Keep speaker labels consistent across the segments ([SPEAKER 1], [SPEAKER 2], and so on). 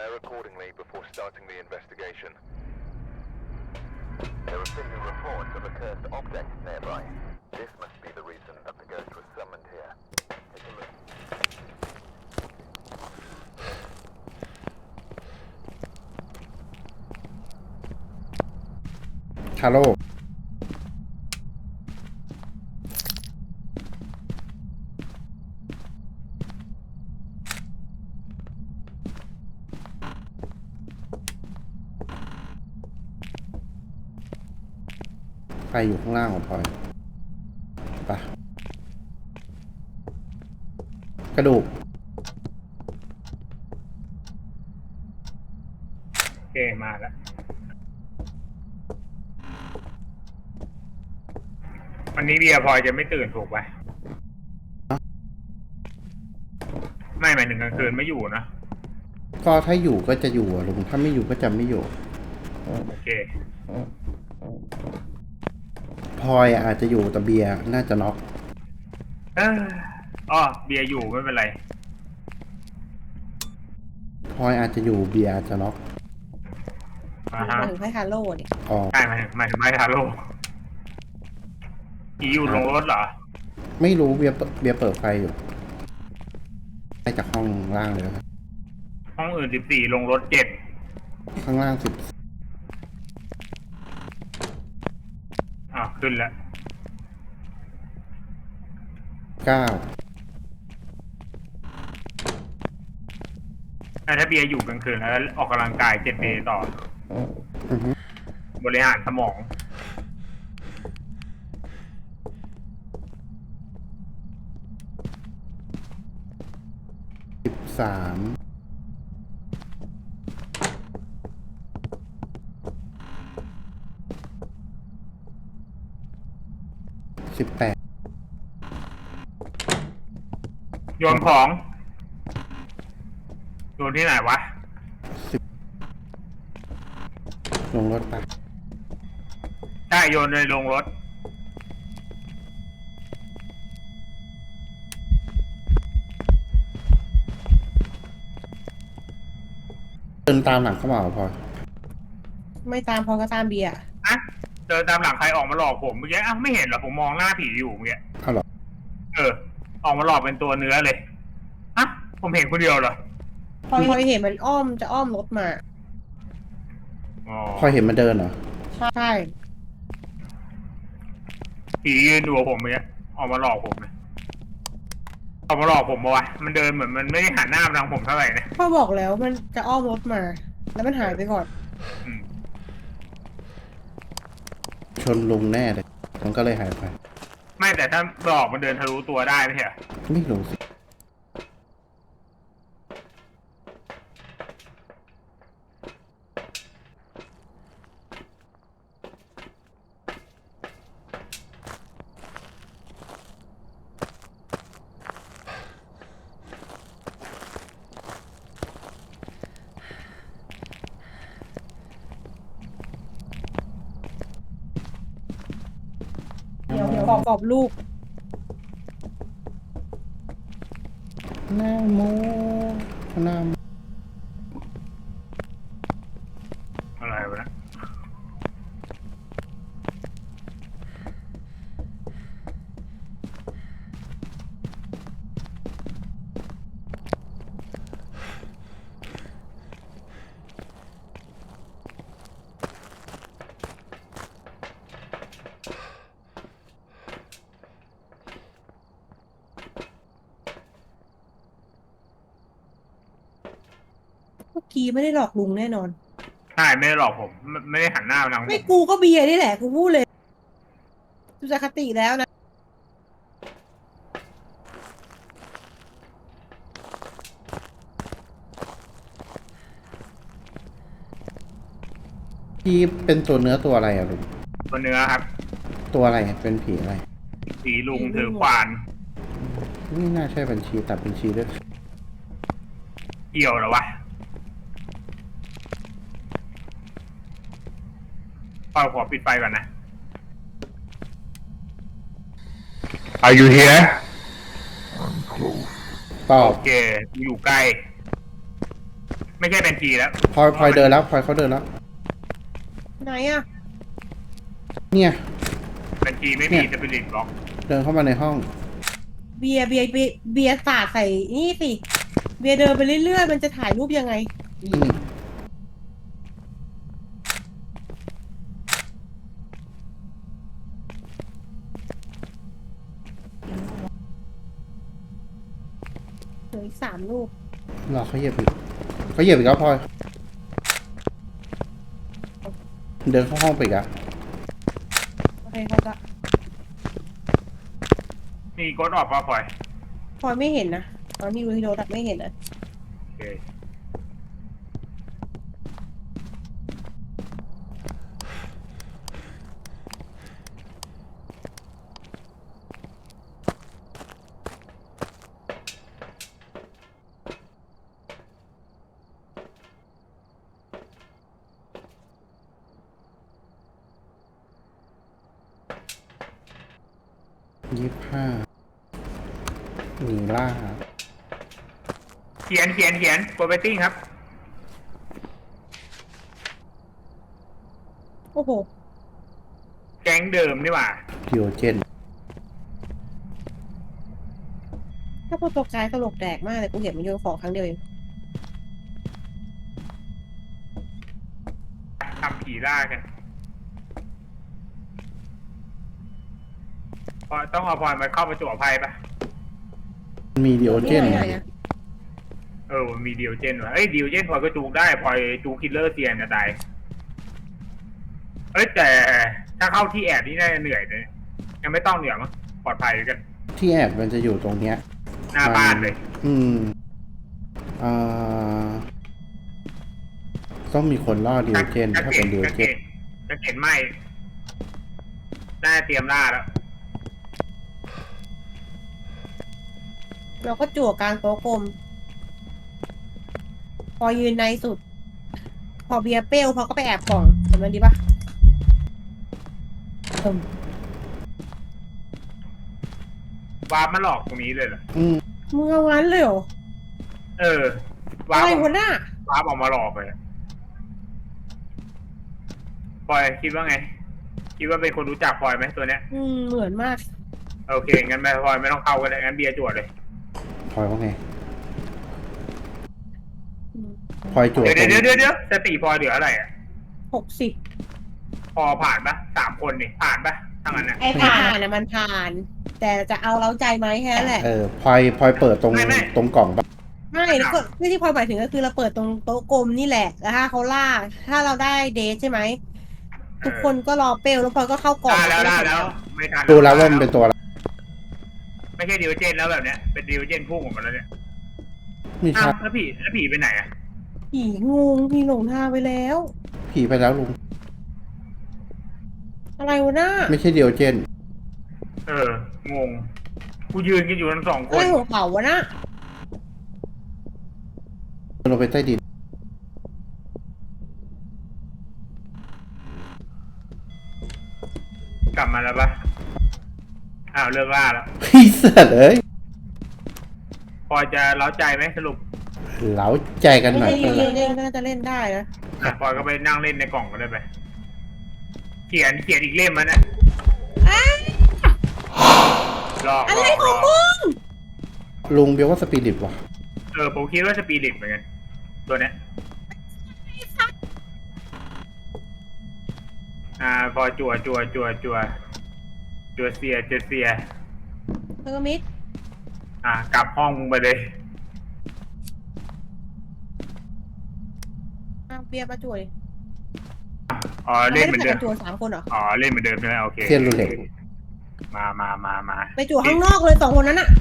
[SPEAKER 1] Prepare accordingly before starting the investigation. There have been reports of a cursed object nearby. This must be the reason that the ghost was summoned here. Take a look.
[SPEAKER 2] ฮัลโหลใครอยู่ข้างล่างของพลอยไปกระดูก
[SPEAKER 3] โอเคมาแล้ววันนี้เบียร์พลอยจะไม่ตื่นถูกไหมไม่หมายถึงกลางคืนไม่อยู่นะ
[SPEAKER 2] ก็ถ้าอยู่ก็จะอยู่อะลุงถ้าไม่อยู่ก็จะไม่อยู่
[SPEAKER 3] โอเค
[SPEAKER 2] พลอยอาจจะอยู่แต่เบียร์น่าจะน็อก
[SPEAKER 3] อ๋อเบียร์อยู่ไม่เป็นไร
[SPEAKER 2] พลอยอาจจะอยู่เบียร์อาจจะน็อก
[SPEAKER 3] มา
[SPEAKER 4] ถึงให้ฮาโลเนี่ย
[SPEAKER 2] อ๋อ
[SPEAKER 3] ใช่หมายถึงไม่ทาโร่ผีอยู่ลงรถเหรอ
[SPEAKER 2] ไม่รู้เบียร์เปิดไฟอยู่ไปจากห้องล่างเลยครับ
[SPEAKER 3] ห้องอื่น14ลงรถ7
[SPEAKER 2] ข้างล่าง10
[SPEAKER 3] ขึ้นแล้ว
[SPEAKER 2] 9
[SPEAKER 3] ถ้าเบียร์อยู่กลางคืนแล้วออกกำลังกาย7 เดย์ต่อบริหารสมอง
[SPEAKER 2] 1318
[SPEAKER 3] โยนของโยนที่ไหนวะ
[SPEAKER 2] ลงรถไป
[SPEAKER 3] ใช่โยนในโรงรถ
[SPEAKER 2] เดินตามหลังเข้ามาพอ
[SPEAKER 4] ไม่ตามพอก็ตามเบียร์
[SPEAKER 3] อะเดินตามหลังใครออกมาหลอกผมเมื่อกี้ไม่เห็นเหรอผมมองหน้าผีอยู่เมื่อกี้
[SPEAKER 2] เอาหรอ
[SPEAKER 3] ออกมาหลอกเป็นตัวเนื้อเลยอะผมเห็นคนเดียวเหรอ
[SPEAKER 4] พอเห็นมันจะอ้อมรถมา
[SPEAKER 2] พอเห็นมันเดินเหรอ
[SPEAKER 4] ใช่
[SPEAKER 3] ผียืนดูผมเมื่อกี้ออกมาหลอกผมเลยออกมาหลอกผมวะมันเดินเหมือนมันไม่ได้หันหน้ามาทางผมเท่าไหร่นะ
[SPEAKER 4] พ่อบอกแล้วมันจะอ้อมรถมาแล้วมันหายไปก่อน
[SPEAKER 2] ชนลุงแน่เลยมันก็เลยหายไป
[SPEAKER 3] ไม่แต่ถ้าหลอกมันเดินทะลุตัวได้ไหมเหรอ
[SPEAKER 2] ไม่รู้สิ
[SPEAKER 4] เดี๋ยวกรอบลูก
[SPEAKER 2] หน้าโมหน้า
[SPEAKER 3] อะไรวะนะ
[SPEAKER 4] เมื่อกี้ไม่ได้หลอกลุงแน่นอน
[SPEAKER 3] ใช่ไม่ได้หลอกผมไม่ได้หันหน้ามาทางผม
[SPEAKER 4] ไม่กูก็เบียร์นี่แหละกูพูดเลยดูจากคติแล้วนะ
[SPEAKER 2] พี่เป็นตัวเนื้อตัวอะไรอ่ะลุง
[SPEAKER 3] ตัวเนื้อครับ
[SPEAKER 2] ตัวอะไรเป็นผีอะไร
[SPEAKER 3] ผีลุงถือขวาน
[SPEAKER 2] นี่น่าใช่บัญชีตัดบัญชีด้วย
[SPEAKER 3] เกี่ยวเหรอวะขอปิดไฟก่อนนะ Are you here
[SPEAKER 2] ตอบ
[SPEAKER 3] โอเคอยู่ใกล้ไม่ใช่เป็นทีแล้ว
[SPEAKER 2] พลอยเดินแล้วพลอยเขาเดินแล้ว
[SPEAKER 4] ไหนอะ
[SPEAKER 2] เนี่ย
[SPEAKER 3] เป็นทีไม่มีสปิริตบล็อก
[SPEAKER 2] เดินเข้ามาในห้อง
[SPEAKER 4] เบียร์สาดใส่นี่สิเบียร์เดินไปเรื่อยๆมันจะถ่ายรูปยังไง
[SPEAKER 2] อืม
[SPEAKER 4] เหลืออีก3 รูป
[SPEAKER 2] รอเขาเหยียบอีกเขาเหยียบอีกแล้วพลอยเดินเข้าห้องไปอีกอะ
[SPEAKER 4] โอเคเขาจะ
[SPEAKER 3] มีกดออกมาปล่อย
[SPEAKER 4] พลอยไม่เห็นนะตอนที่ดูที่โดดักไม่เห็นนะ
[SPEAKER 3] โอเค
[SPEAKER 2] 25นีล่า
[SPEAKER 3] เขียนโปรเบตติ้งครับ
[SPEAKER 4] โอ้โห
[SPEAKER 3] แก๊งเดิมนี่หว่า
[SPEAKER 2] ดิโอเจน
[SPEAKER 4] ถ้าพวกตัวกายตลกแดกมากเลยกูเห็นมันโยนของครั้งเดียวเอง
[SPEAKER 3] ทำผีล่ากันพอต้องเอาพลอยมาเข้าประจวบภัยปะ
[SPEAKER 2] มีดิโอเจน
[SPEAKER 4] ไหนอะ
[SPEAKER 3] มันมีดิวเจนว่ะเอ้ยดิวเจนพลอยก็จูงได้พลอยจูงคิลเลอร์เซียนจะตายเอ้ยแต่ถ้าเข้าที่แอบนี่น่าจะเหนื่อยเลยยังไม่ต้องเหนื่อยมั้งปลอดภัยกัน
[SPEAKER 2] ที่แอบมันจะอยู่ตรงเนี้ย
[SPEAKER 3] หน้าบ้านเลย
[SPEAKER 2] อืมต้องมีคนล่อดิโอเจนถ้าเป็นดิโอเจน
[SPEAKER 3] จะเห็นไหมน่าเตรียมล่าแล้ว
[SPEAKER 4] เราก็จั่วกลางโต๊ะกลม พอยืนในสุด พอเบียร์เปรี้ยวพอก็ไปแอบกล่องเห็นมันดีปะเอิ่ม
[SPEAKER 3] วาร์ปมาหลอกตรงนี้เลยเหรอ
[SPEAKER 2] อืม
[SPEAKER 4] มึงเอางั้นเลยเหรอ
[SPEAKER 3] วา
[SPEAKER 4] อะ
[SPEAKER 3] ร์
[SPEAKER 4] ไร
[SPEAKER 3] ป
[SPEAKER 4] หัวหน้า
[SPEAKER 3] ออกมาหลอกเลยพลอยคิดว่าไง คิดว่าเป็นคนรู้จักพลอยไหมตัวเนี้ย
[SPEAKER 4] เหมือนมาก
[SPEAKER 3] โอเคงั้นไม่พลอยไม่ต้องเข้ากันเลยงั้นเบียร์จวดเลย
[SPEAKER 2] พลอยว่าไง
[SPEAKER 4] อืม
[SPEAKER 2] พลอยจวด
[SPEAKER 3] เดี๋ยว
[SPEAKER 2] ตรง
[SPEAKER 3] เดี๋ยวสติพลอยเหลืออะไรอ่ะ
[SPEAKER 4] 60
[SPEAKER 3] พอผ่านปะ3 คนนี่ผ่านปะทั้งนั้นน่ะ
[SPEAKER 4] ไอ้ผ่านนะมันผ่าน แต่จะเอาเล้าใจไหมแค่นั้นแหละ
[SPEAKER 2] พลอยเปิดตรง
[SPEAKER 3] ไม่
[SPEAKER 2] ตรงกล่องปะ
[SPEAKER 4] ไม่แล้วก็ที่พลอยหมายถึงก็คือเราเปิดตรงโต๊ะกลมนี่แหละแล้วถ้าเขาล่า ถ้าเราได้เดทใช่ไหม ทุกคนก็รอเปลวแล้วพลอยก็เข้ากล่อง
[SPEAKER 3] ได้แล้ว
[SPEAKER 4] เสร็จ
[SPEAKER 3] ไม่ทัน
[SPEAKER 2] ดูแล้วว่ามันเป็นตัวอะไร
[SPEAKER 3] ไม่ใช่ดิวเจนแล้วแบบเนี้ยเป็นดิวเจนพุ่งออกมาแล้วเนี่ย
[SPEAKER 2] ไม่
[SPEAKER 3] อ้า
[SPEAKER 2] ใช่
[SPEAKER 3] วแล้วผีไปไหนอ่ะ
[SPEAKER 4] ผีงูผีหลงทางไปแล้ว
[SPEAKER 2] ผีไปแล้วลุง
[SPEAKER 4] อะไรวะหน้า
[SPEAKER 2] ไม่ใช่ดิโอเจน
[SPEAKER 3] งงกูยืนกันอยู่ทั้ง2 ค
[SPEAKER 4] อะไร
[SPEAKER 3] น
[SPEAKER 4] หัวเขาวะหน้า
[SPEAKER 2] ลงไปใต้ดิน
[SPEAKER 3] กลับมาแล้วปะอ้าวเลิกล่าแล้ว
[SPEAKER 2] พี่เสือเลย
[SPEAKER 3] พอจะเล้าใจไหมสรุป
[SPEAKER 2] เหลาใจกันห
[SPEAKER 4] ไม่
[SPEAKER 2] น่อย
[SPEAKER 4] ใช่
[SPEAKER 2] ก็
[SPEAKER 4] เล่นก็น่าจะเล่นได้นะ
[SPEAKER 3] พอยก็ไปนั่งเล่นในกล่องก็ได้ไป เขียนอีกเล่มมันน่ะหลอก
[SPEAKER 4] อะไร
[SPEAKER 3] หล
[SPEAKER 4] ของมึง
[SPEAKER 2] ลุงเบียกว่าสปิริตว่ะ
[SPEAKER 3] ผมคิดว่าสปีริตเหมือนกันตัวเนี้ยพอจั่วเสีย
[SPEAKER 4] เทอร์มิด
[SPEAKER 3] กลับห้องมึงไปเลย
[SPEAKER 4] เบียร์มาจ่วย
[SPEAKER 3] อ๋อเล่นเหมือนเดิม
[SPEAKER 4] จั่ว3 คนเหรอ
[SPEAKER 3] อ๋อเล่นเหมือนเดิมใช่ไหมโอเค
[SPEAKER 2] เทียนรูเล็ต
[SPEAKER 3] มา
[SPEAKER 4] ไปจั่วข้างนอกเลย2 คนนั้นอะ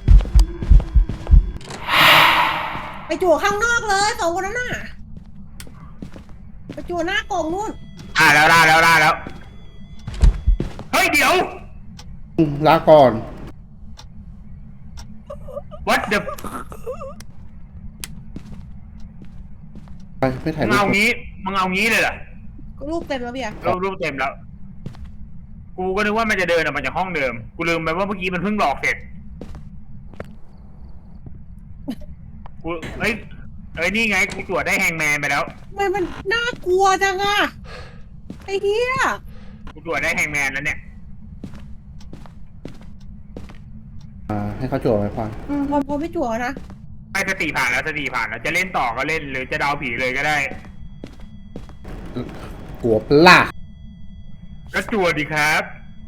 [SPEAKER 4] ไปจั่วข้างนอกเลย2 คนนั้นน่ะไปจั่วหน้ากล่องนู่น
[SPEAKER 3] แล้วเฮ้ยเดี๋ยว
[SPEAKER 2] ลาก่อน
[SPEAKER 3] what the
[SPEAKER 2] ไปไม่ถ่าย
[SPEAKER 3] มึง
[SPEAKER 2] รูป
[SPEAKER 3] เอางี้เลยเหรอ
[SPEAKER 4] รูปเต็มแล้วเบียร์
[SPEAKER 3] รูปเต็มแล้ว กูก็นึกว่ามันจะเดินออกมาจากห้องเดิม กูลืมไปว่าเมื่อกี้มันเพิ่งหลอกเสร็จ กูเอ้ยนี่ไงกูตรวจได้แฮงแมนไปแล้ว
[SPEAKER 4] ทำไมมันน่ากลัวจังอะไอ้เหี้ย
[SPEAKER 3] กูตรวจได้แฮงแมนแล้วเนี่ย
[SPEAKER 2] ให้เขาจั่วไว้พอ
[SPEAKER 4] พอไม่จั่วนะ
[SPEAKER 3] ไม่สติผ่านแล้วสติผ่านแล้วจะเล่นต่อก็เล่นหรือจะเดาผีเลยก็ได้
[SPEAKER 2] กลัวปะล่ะ
[SPEAKER 3] ก็จั่วดีครับ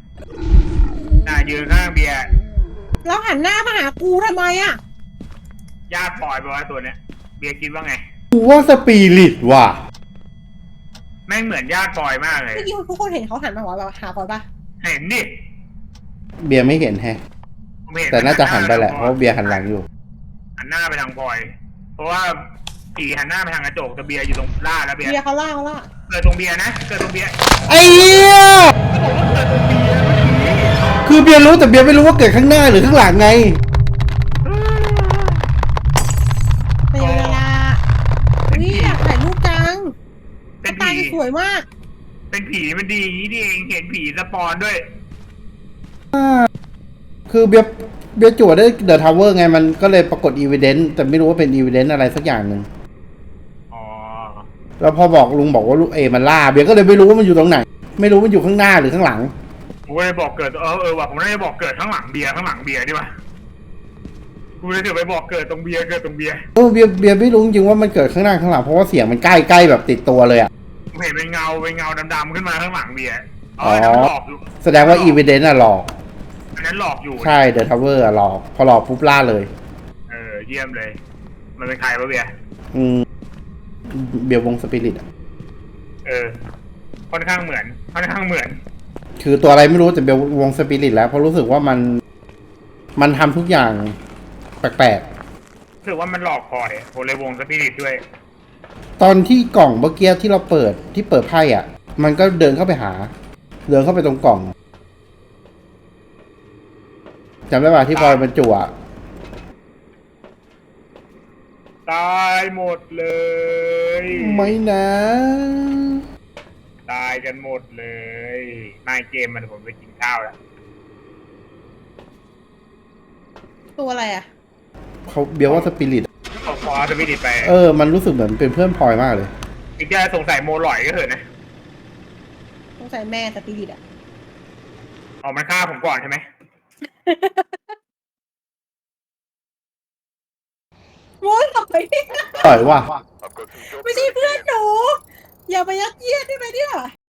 [SPEAKER 3] ยืนข้างเบียร์
[SPEAKER 4] แล้วหันหน้ามาหากูทำไมอะ
[SPEAKER 3] ญาติปล่อยไปว่าตัวเนี้ยเบียร์คิดว่าไง
[SPEAKER 2] กูว่าสปิริตว่ะ
[SPEAKER 3] แม่งเหมือนญาติปล่อยมากเลย
[SPEAKER 4] เมื่อกี้ทุกคนเห็นเขาหันมาหาก่อนปะ
[SPEAKER 3] เห็นดิ
[SPEAKER 2] เบียร์ไม่เห็นแฮะ
[SPEAKER 3] ผมเห็น
[SPEAKER 2] แต่น่าจะหันไปแหละเพราะเบียร์หันหลังอยู่
[SPEAKER 3] หันหน้าไปทางพลอย เพราะว่าผีหันหน้าไปทางกระจกแต่เบียร์อยู่ตรงล่าแล้วเบียร์
[SPEAKER 4] เบียร์เขาล่า
[SPEAKER 3] เกิดตรงเบียร์นะเกิดตรงเบียร์
[SPEAKER 2] ไอ้เหี้ย
[SPEAKER 3] ผมว่าเกิดตรงเบียร์
[SPEAKER 2] คือเบียร์รู้แต่เบียร์ไม่รู้ว่าเกิดข้างหน้าหรือข้างหลังไง
[SPEAKER 4] ไปเวลาวิอยากถ่ายรูปจัง
[SPEAKER 3] เป็น
[SPEAKER 4] ตา
[SPEAKER 3] ผี
[SPEAKER 4] จะสวยมาก
[SPEAKER 3] เป็นผีมันดีอย่างนี้นี่เองเห็นผีสปอนด้วย
[SPEAKER 2] คือเบียร์จั่วได้เดอะทาวเวอร์ไงมันก็เลยปรากฏอีเวนต์แต่ไม่รู้ว่าเป็นอีเวนต์อะไรสักอย่างหนึ่ง
[SPEAKER 3] อ๋อ
[SPEAKER 2] แล้วพอบอกลุงบอกว่าลูกมันล่าเบียร์ก็เลยไม่รู้ว่ามันอยู่ตรงไหน ไม่รู้มันอยู่ข้างหน้าหรือข้างหลัง
[SPEAKER 3] ผมก็เลยบอกเกิดว่ะผมน่าจะบอกเกิดข้างหลังเบียร์ดีกว่ากูเลยถือไปบอกเกิดตรงเบียร์
[SPEAKER 2] เบียร์ไม่รู้จริงๆว่ามันเกิดข้างหน้าข้างหลังเพราะว่าเสียงมันใกล้แบบติดตัวเลยอ่ะ
[SPEAKER 3] ผมเห็นเป็นเงาดำๆขึ้นมาข้างหลังเบียร์
[SPEAKER 2] อ๋อ
[SPEAKER 3] อันนั้นหลอกอยู่
[SPEAKER 2] แสดงว่าอีเวนต์อะหลอก
[SPEAKER 3] อันนั้นหลอกอยู่
[SPEAKER 2] ใช่เดอะทาวเวอร์อะหลอกพอหลอกปุ๊บล่าเลย
[SPEAKER 3] เยี่ยมเลย มันเป็นใครวะเบียร์
[SPEAKER 2] อืมเบียร์วงสปิริตอะ
[SPEAKER 3] ค่อนข้างเหมือน
[SPEAKER 2] คือตัวอะไรไม่รู้แต่เบียร์วงสปิริตแล้วเพราะรู้สึกว่ามันทำทุกอย่างแปลก
[SPEAKER 3] รู้สึกว่ามันหลอกพลอยผมเลยวงสปิริตด้วย
[SPEAKER 2] ๆตอนที่กล่องเมื่อกี้ที่เราเปิดไพ่อ่ะ มันก็เดินเข้าไปตรงกล่องจำได้ป่ะที่พลอยบรรจุอะ
[SPEAKER 3] ตายหมดเลย
[SPEAKER 2] ไม่นะ
[SPEAKER 3] ตายกันหมดเลยนายเกมมันผมไปกินข้าวแล้ว
[SPEAKER 4] ตัวอะไรอะ
[SPEAKER 2] เขาเบียร์ว่าสปิริต
[SPEAKER 3] ขอสปิริตไป
[SPEAKER 2] มันรู้สึกเหมือนเป็นเพื่อนพลอยมากเลย
[SPEAKER 3] อีกจะสงสัยโมหลอยก็เถอะนะ
[SPEAKER 4] ต้องใส่แม่สปิริตอะ
[SPEAKER 3] มันฆ่าผมก่อนใช่ไหม
[SPEAKER 4] โว้ยทำไม
[SPEAKER 2] ปล่อยว่ะ
[SPEAKER 1] I've got some jobs
[SPEAKER 4] ไม่ใช่เพื่อนหนู อย่าไปยัดเยียดได้ไหมเนี่ย